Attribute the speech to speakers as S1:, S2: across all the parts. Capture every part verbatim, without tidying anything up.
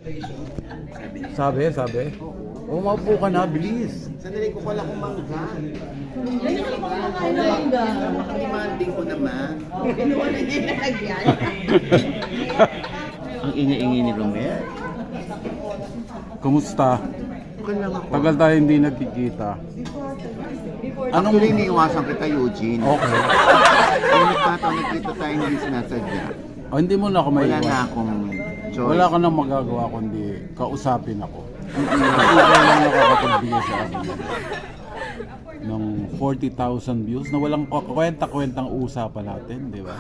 S1: Sabi, sabi. O, maupo ka na, bilis.
S2: Sandali ko pala kung mangga.
S3: Yan yung kumakain na mangga.
S2: Demanding ko naman.
S3: Kinuha na niya yung nalagyan.
S2: Ang ingay-ingay ni Romel.
S1: Kumusta?
S2: Okay lang ako.
S1: Tagal tayo hindi nagkikita.
S2: Anong Actually, iniiwasan kita, Eugene.
S1: Okay.
S2: Kung nagkataon nagkita tayo hindi sinasadya.
S1: O, hindi mo na ako may
S2: Wala na akong choice.
S1: Wala ka nang magagawa kundi kausapin ako. Hindi ko lang nakakapagbigay sa akin ng forty thousand views na walang kwenta-kwentang usapan natin, di ba?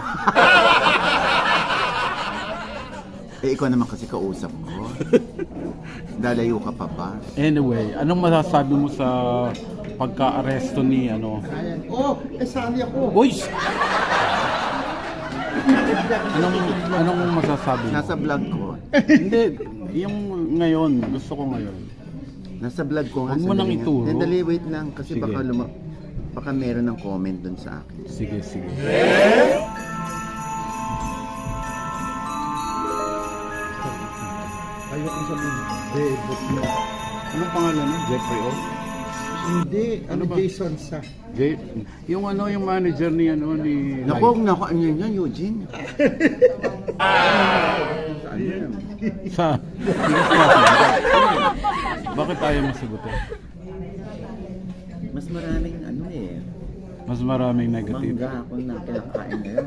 S2: Eh, ikaw naman kasi kausap ko. Dalayo ka pa ba?
S1: Anyway, anong masasabi mo sa pagka-aresto ni ano?
S4: Oh, eh sali ako.
S1: Boy! Anong anong masasabi mo?
S2: Nasa vlog ko.
S1: Hindi, yung ngayon, gusto ko ngayon.
S2: Nasa vlog ko nga.
S1: Huwag mo nang
S2: sandali nga.
S1: ituro.
S2: Sandali, wait lang. Kasi
S1: Sige.
S2: baka luma... Baka meron ng comment dun sa akin.
S1: Sige, sige.
S4: Ayoko sabihin, Bebot mo.
S1: Anong pangalan mo? Jeffrey O?
S4: Hindi, ano,
S1: ba?
S4: Jason sa.
S1: Jay, yung ano, yung manager ni ano ni
S2: Naku, naku, ano yan yan, Eugene? Saan yan?
S1: sa Sige, sige. Bakit tayo masagutin?
S2: Mas maraming ano eh.
S1: Mas maraming negative.
S2: Mangga ako na kinakain ngayon.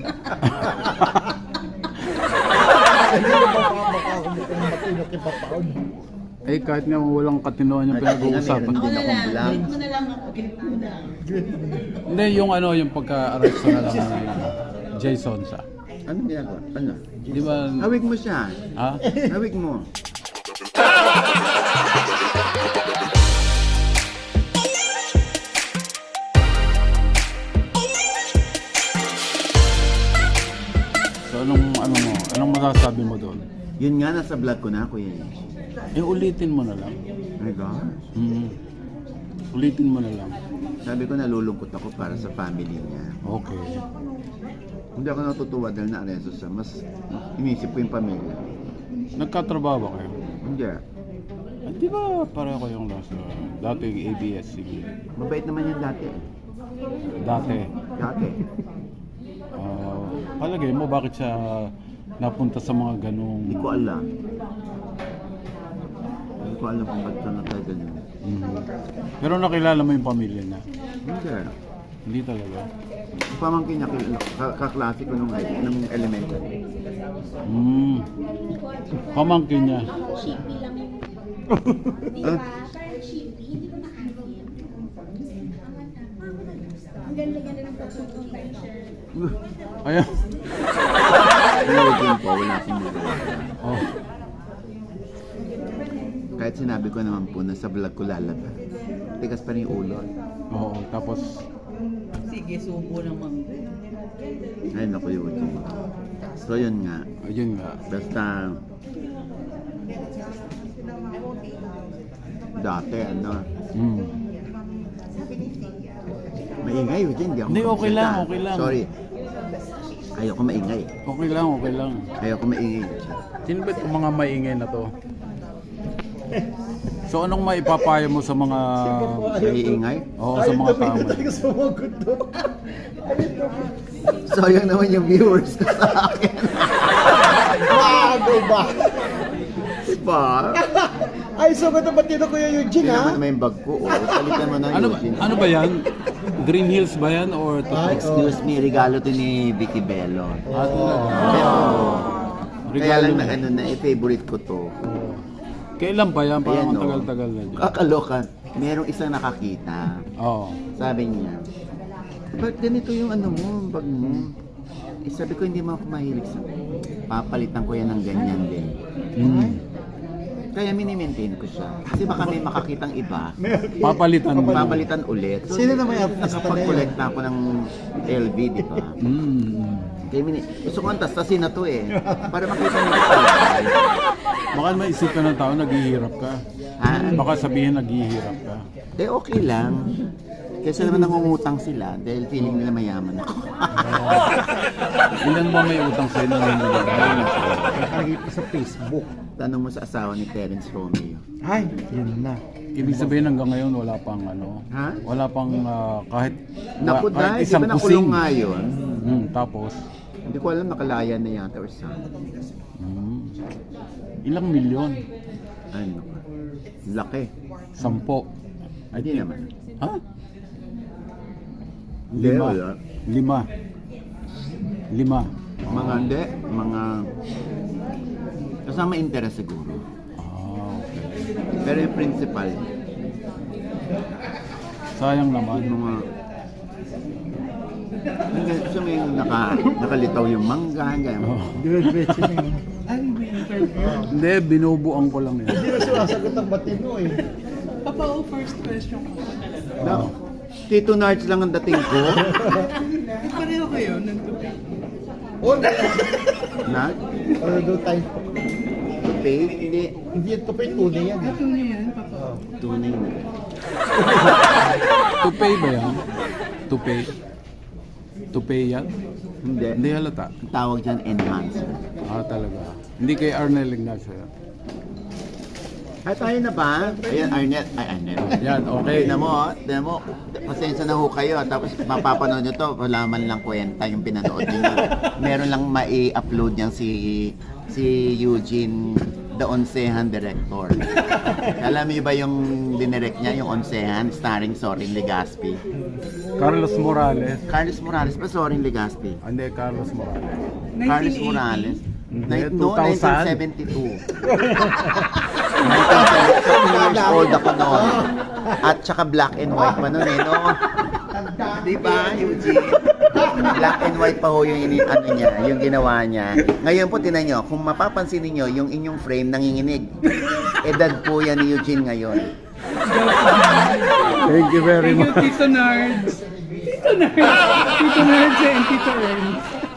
S4: Hindi na ba baka kumutong matino kay Papaon?
S1: Eh kahit nga walang katinoan yung
S2: At
S1: pinag-uusapan.
S2: nga,
S3: Ako na lang.
S2: Vlog.
S3: Galit mo na lang ako. Galit mo na.
S1: Hindi, yung ano, yung pagka-arresto na lang ni Jason sa.
S2: Ano ginagawa? Ano?
S1: Di ba?
S2: Hawig mo siya.
S1: Ha?
S2: Hawig mo.
S1: So anong, ano mo, anong masasabi mo doon?
S2: Yun nga, nasa vlog ko na ako yun.
S1: Eh ulitin mo na lang.
S2: Oh my gosh.
S1: Mm. Ulitin mo na lang.
S2: Sabi ko nalulungkot ako para sa family niya.
S1: Okay.
S2: Hindi ako natutuwa dahil na-aresto siya. Mas inisip ko yung pamilya.
S1: Nagkatrabaho ba kayo?
S2: Hindi.
S1: Ah, di ba pareho kayong nasa dating A B S C B?
S2: Mabait naman yan dati.
S1: Dati.
S2: Dati.
S1: Ah, palagay mo bakit siya napunta sa mga ganung
S2: Hindi ko alam. Hindi ko alam kung ba't siya natagal.
S1: Mhm. Pero nakilala mo yung pamilya niya?
S2: Hindi.
S1: Hindi talaga.
S2: Yung pamangkin niya, ka- kaklase ko nung, nung elementary.
S1: Mm. Pamangkin niya.
S5: Chippy lang yung... Di
S2: Ah?
S5: ba? Parang chippy, hindi ko na-answer. Ang ganda-ganda ng pagsusunod siya.
S1: Ayan.
S2: Pinagin ko, wala akong magawa.
S1: Oh.
S2: Kahit sinabi ko naman po na sa vlog ko lalabas. Tigas pa rin yung ulo.
S1: Oo, tapos
S3: Sige, subo ng mangga.
S2: Ay, naku yun. So yun nga.
S1: ayun nga.
S2: Basta dati ano,
S1: Mm.
S2: maingay yun dyan. Hindi ako
S1: Hindi, okay lang,
S2: makapagsalita.
S1: okay lang.
S2: Sorry. Ayoko maingay.
S1: Okay lang, okay lang.
S2: Ayoko maingay.
S1: Sino ba itong mga maingay na to? So anong maipapayo mo sa mga
S2: Maiingay?
S1: Oo, sa mga tao?
S4: Ayaw talaga sumagot to.
S2: Sayang naman yung viewers ko sa akin.
S4: Bago ba?
S2: Diba?
S4: Ay, sumagot ang batino Kuya Eugene,
S2: Hindi
S4: ha?
S2: naman may bag ko. Oh. Palitan mo na
S1: Ano
S2: Eugene.
S1: ano ba 'yan? Green Hills ba 'yan or to?
S4: Ay,
S2: Excuse me, regalo to ni Vicky Bello.
S1: Ah,
S2: Pero, kaya
S1: regalo
S2: lang
S1: na.
S2: na ano na, eh, favorite ko to.
S1: Kailan pa 'yan?
S2: Ayan,
S1: Parang
S2: no.
S1: ang tagal-tagal na dyan.
S2: Kakaloka. Merong isang nakakita.
S1: Oo.
S2: Sabi niya, ba't ganito yung ano mo, bag mo? Eh, sabi ko, hindi mo ako mahilig sa... Papalitan ko yan ng ganyan din.
S1: Mm.
S2: Kaya mini-maintain ko siya. Kasi baka may makakitang iba.
S1: Papalitan mo.
S2: Papalitan ulit. So,
S4: Sino na may artista na
S2: nakapag-collect na ako ng L V, di ba?
S1: Mm.
S2: Kaya mini... Gusto ko ang tastasin na to eh. Para makita niyo.
S1: Baka maisip ka ng tao, naghihirap ka.
S2: Ah,
S1: Baka sabihin naghihirap ka.
S2: de okay lang. Kesa naman nangungutang sila dahil feeling nila mayaman ako.
S1: Ilan ba may utang sa'yo na hindi nila?
S4: Nakikita sa Facebook.
S2: Tanong mo sa asawa ni Terence Romeo.
S4: Ay, yun na.
S1: Ibig sabihin hanggang ngayon wala pang ano,
S2: Ha?
S1: wala pang ah, kahit,
S2: Naku,
S1: kahit
S2: dahil di
S1: isang
S2: ba nakulong
S1: kusing.
S2: nga yun?
S1: Hmm, tapos,
S2: Hindi ko alam, nakalaya na yata or something.
S1: hmm, ilang milyon?
S2: Ano? Laki.
S1: Sampo. I
S2: Hindi
S1: think.
S2: naman.
S1: Ha?
S2: Hindi,
S1: Lima.
S2: wala.
S1: Lima. Lima.
S2: Mga hindi, mga... Kasama interest siguro.
S1: Ah, okay.
S2: Pero yung principal,
S1: Sayang naman.
S2: mga... Hanggang siya may naka, nakalitaw yung mangga, hanggang...
S1: Oh.
S4: Diretso na yun.
S1: Hindi, binubuang ko lang yan.
S4: Hindi na sumasagot ang matino eh.
S3: Papa, oh, first question ko.
S2: No. Tito Nards lang ang dating ko.
S3: Pareho kayo, nagtupi.
S4: O,
S2: Nag?
S4: ano daw tayo?
S2: Tupi? Hindi.
S4: Hindi yan to pa yung tunay yan. eh.
S3: Ito niyo yan, Papa.
S4: Oh.
S2: Tunay na.
S1: To pay ba yan? To pay? To pay yan?
S2: Hindi.
S1: Hindi halata.
S2: Ang tawag dyan, enhancer.
S1: Ah, talaga. Hindi kay Arnel Ignacio yan.
S2: Ay, tayo na ba? Ayan, Arnett. Ay, Arnett.
S1: Yan, okay.
S2: Tignan mo, tignan mo. Pasensya na ho kayo. Tapos mapapanood nyo to. Wala man lang kwenta yung pinanood nyo. Meron lang mai-upload niyan si si Eugene, the Onsehan director. Alam niyo ba yung dinirect niya, yung Onsehan, starring Sorin Legaspi?
S1: Carlos Morales.
S2: Carlos Morales ba Sorin Legaspi?
S1: Hindi, Carlos Morales.
S2: Carlos Morales?
S1: Hindi,
S2: Ni- no,
S1: two thousand.
S2: nineteen seventy-two. nineteen seventy-two years old ako noon. At saka black and white pa noon eh, no? Di ba, Eugene? Black and white pa ho yung ini ano niya, yung ginawa niya. Ngayon po, tinan nyo, kung mapapansin niyo yung inyong frame nanginginig. Edad po yan ni Eugene ngayon.
S1: Thank you very
S3: Thank you,
S1: much.
S3: Tito Nards. Tito Nards. Tito Nards and Tito Ernst.